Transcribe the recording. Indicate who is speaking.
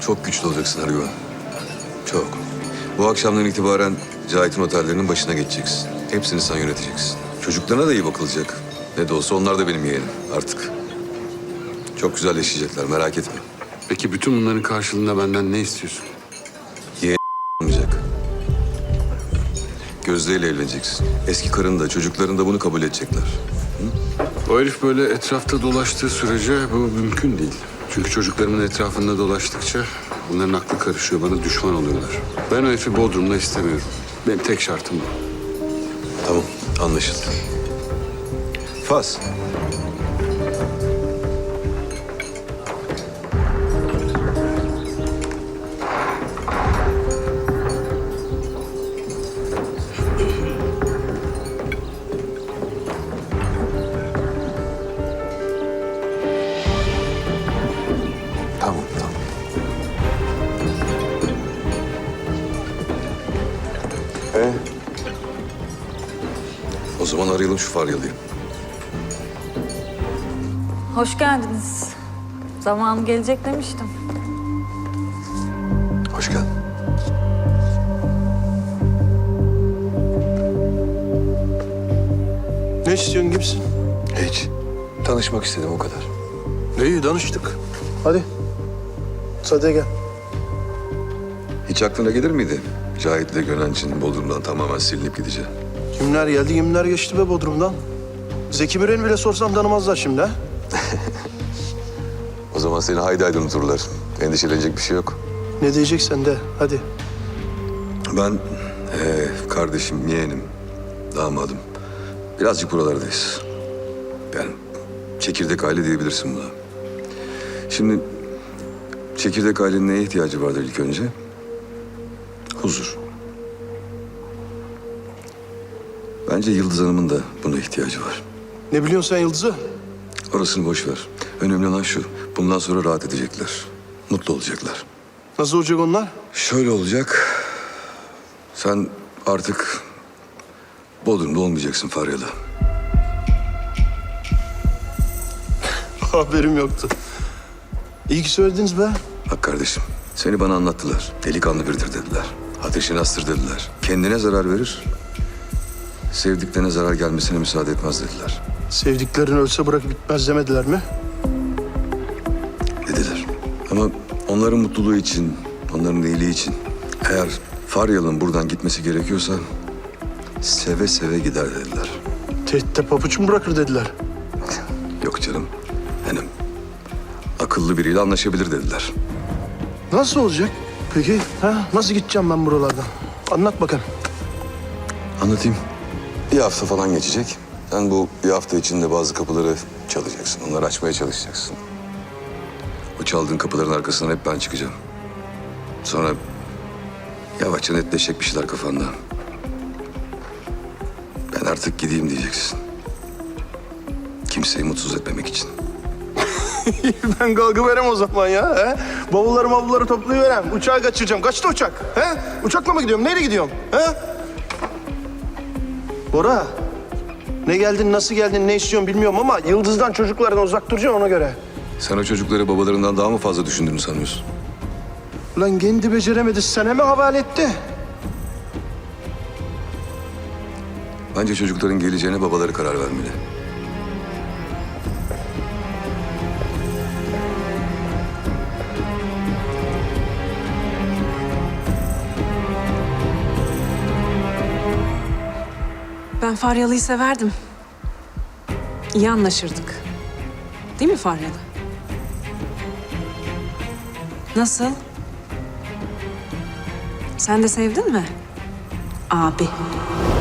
Speaker 1: Çok güçlü olacaksın Ergüven. Çok. Bu akşamdan itibaren Cahit'in otellerinin başına geçeceksin. Hepsini sen yöneteceksin. Çocuklarına da iyi bakılacak. Ne de olsa onlar da benim yeğenim artık. Çok güzel yaşayacaklar, merak etme.
Speaker 2: Peki bütün bunların karşılığında benden ne istiyorsun?
Speaker 1: Olmayacak. Gözde ile evleneceksin. Eski karın da çocukların da bunu kabul edecekler.
Speaker 2: O herif böyle etrafta dolaştığı sürece bu mümkün değil. Çünkü çocuklarımın etrafında dolaştıkça bunların aklı karışıyor, bana düşman oluyorlar. Ben o herifi Bodrum'da istemiyorum. Benim tek şartım bu.
Speaker 1: Tamam, anlaşıldı. Fas. Tamam, tamam. O zaman arayalım şu Faryalı'yı.
Speaker 3: Hoş geldiniz. Zamanı gelecek demiştim.
Speaker 1: Hoş geldin.
Speaker 4: Ne istiyorsun kimsin?
Speaker 1: Hiç. Tanışmak istedim o kadar.
Speaker 4: İyi danıştık. Hadi. Sade gel.
Speaker 1: Hiç aklına gelir miydi? Cahit'le Gönenç'in Bodrum'dan tamamen silinip gideceği.
Speaker 4: Kimler geldi, kimler geçti be Bodrum'dan. Zeki Müren'i bile sorsam tanımazlar şimdi ha.
Speaker 1: O zaman seni haydi haydi unuturlar. Endişelenecek bir şey yok.
Speaker 4: Ne diyeceksen de hadi.
Speaker 1: Ben kardeşim, yeğenim, damadım. Birazcık buralardayız. Yani çekirdek aile diyebilirsin buna. Şimdi çekirdek ailenin neye ihtiyacı vardır ilk önce? Huzur. Bence Yıldız Hanım'ın da buna ihtiyacı var.
Speaker 4: Ne biliyorsun sen Yıldız'ı?
Speaker 1: Orasını boş ver. Önemli olan şu. Bundan sonra rahat edecekler. Mutlu olacaklar.
Speaker 4: Nasıl olacak onlar?
Speaker 1: Şöyle olacak. Sen artık Bodrum'da olmayacaksın Faryalı.
Speaker 4: Haberim yoktu. İyi ki söylediniz be.
Speaker 1: Bak kardeşim, seni bana anlattılar. Delikanlı biridir dediler. Ateşini astır dediler. Kendine zarar verir, sevdiklerine zarar gelmesine müsaade etmez dediler.
Speaker 4: Sevdiklerin ölse bırakıp bitmez demediler mi?
Speaker 1: Dediler. Ama onların mutluluğu için, onların iyiliği için eğer Faryalı'nın buradan gitmesi gerekiyorsa seve seve gider dediler.
Speaker 4: Tehditte papuç mu bırakır dediler.
Speaker 1: Yok canım, hanım. Akıllı biriyle anlaşabilir dediler.
Speaker 4: Nasıl olacak? Peki ha? Nasıl gideceğim ben buralardan? Anlat bakalım.
Speaker 1: Anlatayım. Bir hafta falan geçecek. Sen bu bir hafta içinde bazı kapıları çalacaksın. Onları açmaya çalışacaksın. O çaldığın kapıların arkasından hep ben çıkacağım. Sonra yavaşça netleşecek bir şeyler kafanda. Ben artık gideyim diyeceksin. Kimseyi mutsuz etmemek için.
Speaker 4: Ben kalkı verem o zaman ya. He? Bavulları toplayıverem. Uçağı kaçıracağım. Kaçtı uçak? He? Uçakla mı gidiyorum? Neyle gidiyorum? He? Bora. Ne geldin, nasıl geldin, ne istiyorsun bilmiyorum ama Yıldız'dan çocuklardan uzak duracaksın ona göre.
Speaker 1: Sen o çocukları babalarından daha mı fazla düşündüğünü sanıyorsun?
Speaker 4: Ulan kendi beceremedi, sana mı havale etti?
Speaker 1: Bence çocukların geleceğine babaları karar vermeli.
Speaker 5: Ben Faryalı'yı severdim. İyi anlaşırdık. Değil mi Faryalı? Nasıl? Sen de sevdin mi? Abi.